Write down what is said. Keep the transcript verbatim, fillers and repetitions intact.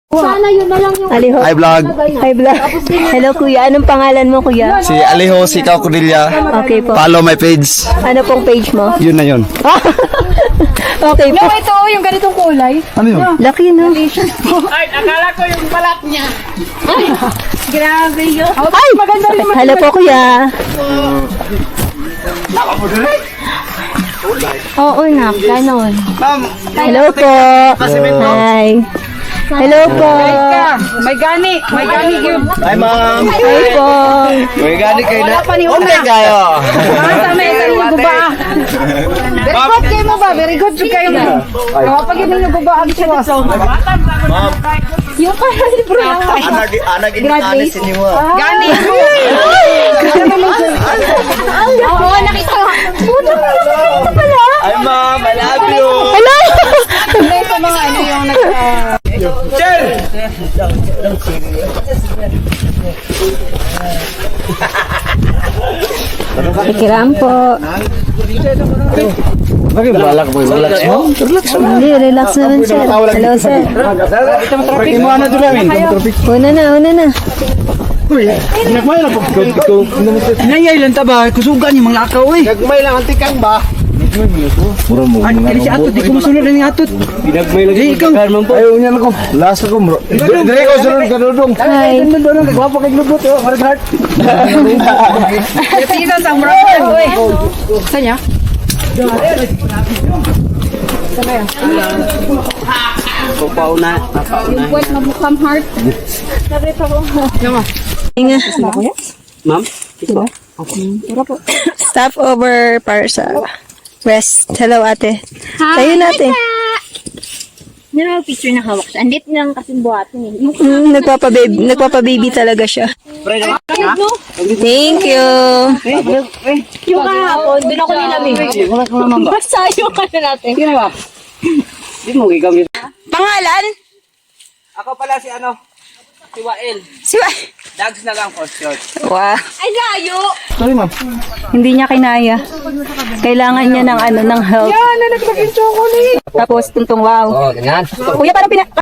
Sana yun na lang yung... Aliho. Hi vlog. Hi, vlog. Hello, kuya. Anong pangalan mo, kuya? Si Aliho, si Kao Cordelia. Okay po. Follow my page. Ano pong page mo? Yun na yun. Okay po. No, ito, yung ganitong kulay. Ano yun? Laki, no? Ay, akala ko yung balat niya. Grabe yun. Ay! Maganda rin. Hello po, kuya. Oo, nak. Ganon. Ma'am, Hello po. Hi. Hello po. May gani. May gani yun. hi ma'am. Hi po. May gani kayo na. Wala pa ni una. Okay kayo. Basta may isa yung guba. Very good kayo mo ba? Very good kayo mo. Kapag yun yung guba, ang siya. Ma'am, Yung pala libro. anag anag inanis niyo. Gani. Oo, nakita ko. Puto na pala. Hi ma'am, I love you. Hello. May sa mga ano yung nag... Cher. Ikiram po. Bakit balak mo? Relax mo? Hindi, relax naman, sir. Hello, sir. Traffic mo ano doon namin? Una na, una na. Nagmay lang po. Nayay lang taba, kusugan yung mga lakaw eh. Nagmay lang antikang ba? Mura mo. Ay, kaya si Atot, di ko masunod na yung Atot. Pinagmay lang. Di, ikaw. Ayaw niya lang ko. Last ako bro. Dire ko sunod ka dudong. Hi. Doon doon nagwapo kay glubot oh, Mark Hart. Pisa sa mura. Saan niya? Papaw na. Yung buwan na mukhang heart. Inga. Ma'am? Stop over para sa rest. Hello, ate. Tayo natin. Ano picture na hawak siya? Andit lang kasi buhatin eh. Mm, nagpapababy, nagpapababy talaga siya. Thank you. Yung kahapon, doon ako nilamig. Basta yung ano natin. Di mo gigamit. Pangalan? Ako pala si ano? Si Wael. Si Dags na lang course yun. Wow. Ay, layo! Sorry ma'am. Hindi niya kinaya. Kailangan niya ng ano, ng help. Yan, na naglagay chocolate. Tapos tuntong wow. Oh, ganyan. Kuya, parang pina...